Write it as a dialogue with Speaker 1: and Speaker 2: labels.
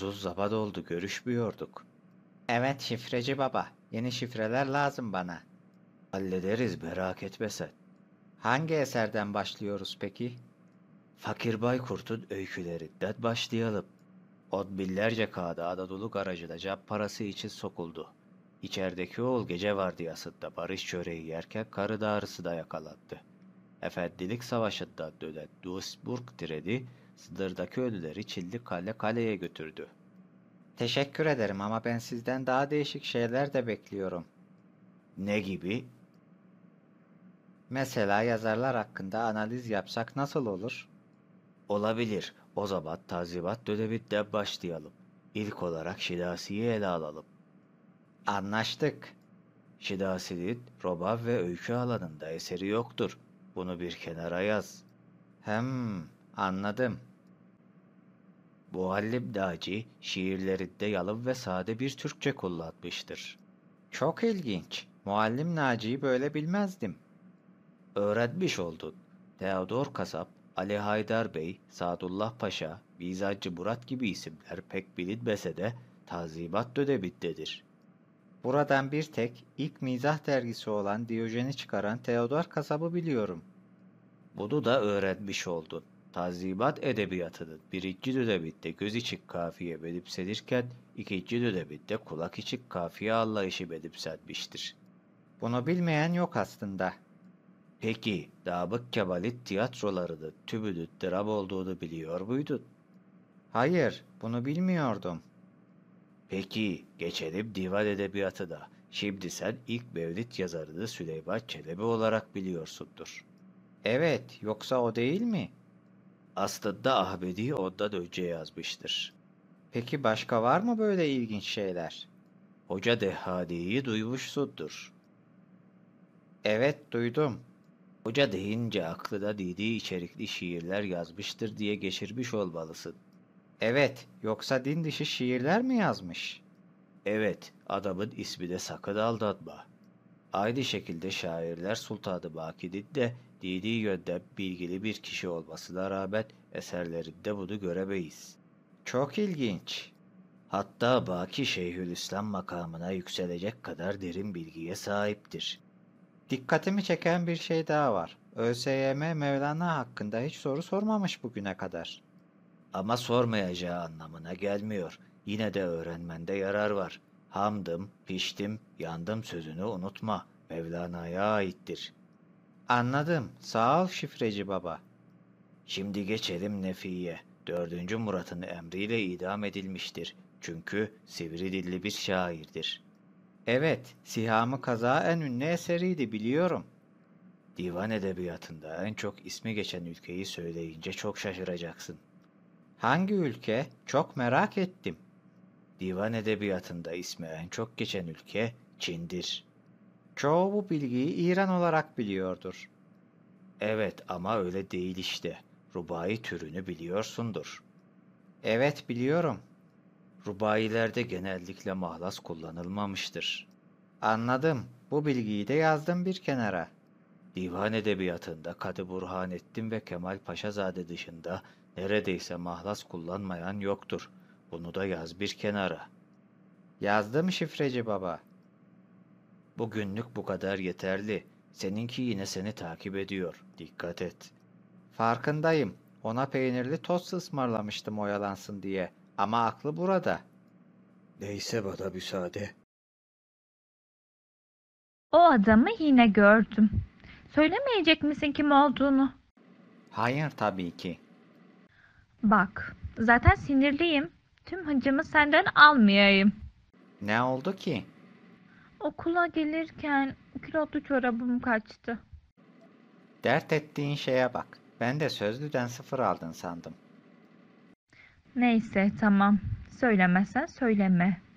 Speaker 1: Uzun zaman oldu görüşmüyorduk. Evet şifreci baba. Yeni şifreler lazım bana. Hallederiz merak etme sen. Hangi eserden başlıyoruz peki? Fakir Baykurt'un öykülerinden başlayalım. On binlerce kağıda Anadolu garajına cep parası için sokuldu. İçerideki oğul gece vardiyasında barış çöreği yerken karın ağrısına yakalandı. Efendilik Savaşı'ndan dönen Duisburg treni sınırdaki ölüleri Çilli Kale kaleye götürdü. Teşekkür ederim ama ben sizden daha değişik şeyler de bekliyorum. Ne gibi? Mesela yazarlar hakkında analiz yapsak nasıl olur? Olabilir. O zaman Tanzimat döneminden başlayalım. İlk olarak Şinasi'yi ele alalım. Anlaştık. Şinasi'nin roman ve öykü alanında eseri yoktur. Bunu bir kenara yaz. Anladım. Muallim Naci şiirlerinde yalın ve sade bir Türkçe kullanmıştır. Çok ilginç. Muallim Naci'yi böyle bilmezdim. Öğrenmiş oldun. Teodor Kasap, Ali Haydar Bey, Sadullah Paşa, Mizancı Murat gibi isimler pek bilinmese de Tanzimat dönemindedir. Buradan bir tek ilk mizah dergisi olan Diyojen'i çıkaran Teodor Kasap'ı biliyorum. Bunu da öğrenmiş oldun. Tanzimat edebiyatının birinci döneminde göz içi kafiye benimsenirken ikinci döneminde kulak içi kafiye anlayışı benimsenmiştir. Bunu bilmeyen yok aslında. Peki, Namık Kemal'in tiyatrolarının tümünün dram olduğunu biliyor muydun? Hayır, bunu bilmiyordum. Peki, geçelim divan edebiyatına. Şimdi sen ilk Mevlid yazarını Süleyman Çelebi olarak biliyorsundur. Evet, yoksa o değil mi? Aslında Ahmedi ondan önce yazmıştır. Peki başka var mı böyle ilginç şeyler? Hoca Dehhani'yi duymuşsundur. Evet, duydum. Hoca deyince aklına dini içerikli şiirler yazmıştır diye geçirmiş olmalısın. Evet, yoksa din dışı şiirler mi yazmış? Evet, adamın ismi de sakın aldatma. Aynı şekilde şairler Sultan-ı Baki'nin de dini yönden bilgili bir kişi olmasına rağmen eserlerinde bunu göremeyiz. Çok ilginç. Hatta Baki Şeyhülislam makamına yükselecek kadar derin bilgiye sahiptir. Dikkatimi çeken bir şey daha var. ÖSYM Mevlana hakkında hiç soru sormamış bugüne kadar. Ama sormayacağı anlamına gelmiyor. Yine de öğrenmende yarar var. Hamdım, piştim, yandım sözünü unutma. Mevlana'ya aittir. Anladım. Sağ ol şifreci baba. Şimdi geçelim Nefi'ye. 4. Murat'ın emriyle idam edilmiştir. Çünkü sivri dilli bir şairdir. Evet, Sihamı Kaza en ünlü eseriydi biliyorum. Divan edebiyatında en çok ismi geçen ülkeyi söyleyince çok şaşıracaksın. Hangi ülke? Çok merak ettim. Divan edebiyatında ismi en çok geçen ülke Çin'dir. Çoğu bu bilgiyi İran olarak biliyordur. Evet ama öyle değil işte. Rubai türünü biliyorsundur. Evet biliyorum. Rubailerde genellikle mahlas kullanılmamıştır. Anladım. Bu bilgiyi de yazdım bir kenara. Divan edebiyatında Kadı Burhanettin ve Kemal Paşazade dışında neredeyse mahlas kullanmayan yoktur. Bunu da yaz bir kenara. Yazdım şifreci baba. Bugünlük bu kadar yeterli. Seninki yine seni takip ediyor. Dikkat et. Farkındayım. Ona peynirli tost ısmarlamıştım oyalansın diye. Ama aklı burada. Neyse bana müsaade.
Speaker 2: O adamı yine gördüm. Söylemeyecek misin kim olduğunu?
Speaker 1: Hayır tabii ki.
Speaker 2: Bak, zaten sinirliyim. Tüm hıncımı senden almayayım.
Speaker 1: Ne oldu ki?
Speaker 2: Okula gelirken kilotlu çorabım kaçtı.
Speaker 1: Dert ettiğin şeye bak. Ben de sözlüden 0 aldın sandım.
Speaker 2: Neyse, tamam. Söylemezsen söyleme.